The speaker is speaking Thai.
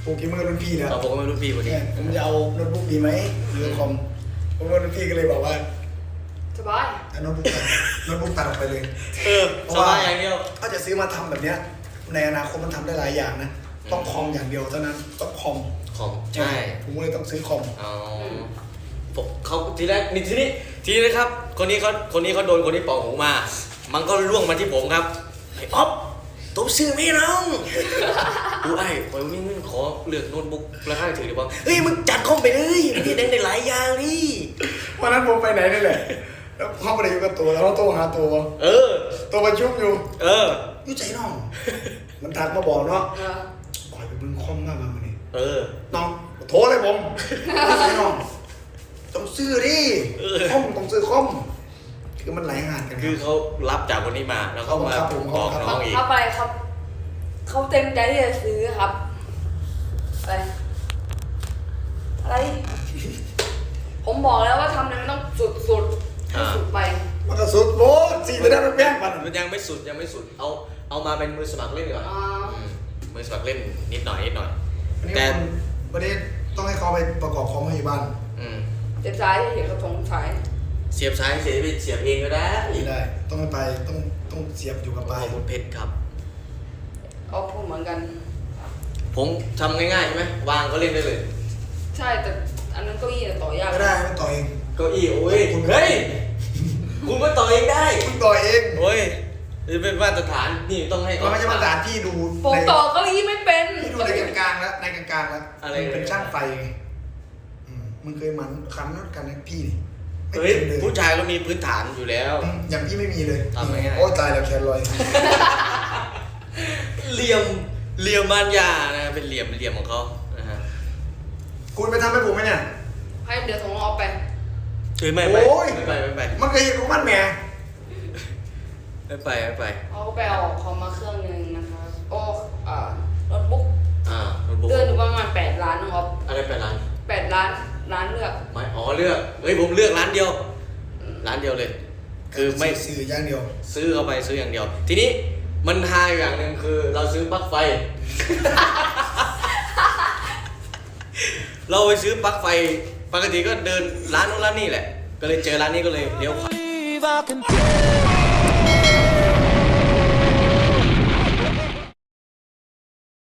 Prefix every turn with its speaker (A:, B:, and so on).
A: โปรแกรมเมอร์รุ่นพี่นะ
B: เราบอกว่าไม่รุ่นพี่คนนี้
A: ผมจะเอาโน้ตบุ๊กดีไหมหรือคอมผมว่ารุ่นพี่ก็เลยบอกว่า
C: สบาย
A: โน้ตบุ๊กตัดออกไปเลย
B: สบายอย่างเดียว
A: ถ้าจะซื้อมาทำแบบเนี้ยในอนาคตมันทำได้หลายอย่างนะต้องคอมอย่างเดียวเท่านั้นต้องคอม
B: ของใช่
A: ผมก็เลยต้องซื้อคอม
B: อ๋อผมเขาทีแรกนี่ทีนี้นะครับ คนนี้เขาโดนคนที่เป่าหูมา มันก็ล่วงมาที่ผมครับไอ้อ๊อฟตัวซื้อไม่น้องดูไอ้ผมนี่ขอเลือกโน้ตบุ๊กราคาถือดีป่ะเฮ้ยมึงจัดคอมไปเลยมันได้หลายอย่างนี่
A: วันนั้นผมไปไหนนี่แหละแล้วเข้าไปอยู่กับตัวแล้วโทรหาตัว ตัวประชุมอยู่ยุ่ใจน้อง มันทักมาบอกเนาะปล่อยไปบึ้งคอมมากมาวันนี้น้องโทรเลยผมยุ่ใจน้องต้องซื้อดิคอมต้องซื้อคอมคือมันหลายงานกัน
B: คือเขารับจากคนนี้มาแล้วก็มาบอกน้องอีก
C: ครับอะไรครับเขาเต็มใจที่จะซื้อครับอะไรผมบอกแล้วว่าทำเนี่ยมันต้องสุดให้สุดไป
A: มันก็สุดโบสี่จะได้มันแป้งมัน
B: มันยังไม่สุดเอามาเป็นมือสมัครเล่นก่อนมือสมัครเล่นนิดหน่อย
A: แต่วันนี้ต้องให้เขาไปประกอบคอมให้บ้าน
C: เจ็บซ้ายเห็นกระทงซ้าย
B: เสียบซ้ายเสียบเสียบเองก็ได้
A: ไม่ได้ต้องให้ไปต้องเสียบอยู่กับปลาย
B: ขอบคุณเพชรครับ
C: เขาพูดเหมือนกัน
B: ผมทำง่ายๆใช่ไหมวางก็เล่นได้เลย
C: ใช่แต่อันนั้นเก้าอี้เนี่ยต่อยาก
A: ไม่ได้มันต่อเอง
B: เก้าอี้โอ้ยเฮ้ยคุณก็ต่อเองได้
A: คุณต่อเอง
B: โอ้ยนี่เป็นมาตรฐานนี่ต้องให้
A: มันไม่ใช่มาตรฐานที่ดู
C: ผมต่อเก้าอี้ไม่เป็น
A: ที่ดูในกลางๆแล้วในกลางๆแล้วเป็นช่างไฟไงมึงเคยมันคันนัดกันนะพี่นี่
B: เฮ้ยผู้ชายก็มีพื้นฐานอยู่แล้ว
A: อย่างพี่ไม่มีเลย
B: ทำง่ายๆ
A: โอ้ตายแล้วแคนลอย
B: เหลี่ยมมารยานะเป็นเหลี่ยมของเขานะฮะ
A: คุณไปทำให้ผมไหมเนี่ย
C: ให้เดี๋ยวส่งออกไป
B: เฮ้ยไม่
A: โอ้ย
B: ไป
A: มันเคยเห็นของมันแหม
B: ไม่ไป
C: เขาก็ไปเอาคอมมาเครื่องนึงนะคะโอ้โน้ตบุ๊ก
B: โน้ตบุ๊ก
C: เดือนอยู่ประมาณ8 ล้านนะครับ
B: อะไรไปร้าน
C: 8 ล้านเลือก
B: ไม่เลือกเฮ้ยผมเลือกร้านเดียวเลย คือไม่
A: สื่ออย่างเดียว
B: ซื้อเข้าไปซื้ออย่างเดียว ทีนี้มันฮาอย่างหนึ่งคือเราซื้อปลั๊กไฟ เราไปซื้อปลั๊กไฟปกติก็เดินร้านนู้นร้านนี่แหละ ก็เลยเจอร้านนี้ก็เลยเลี้ยวขวา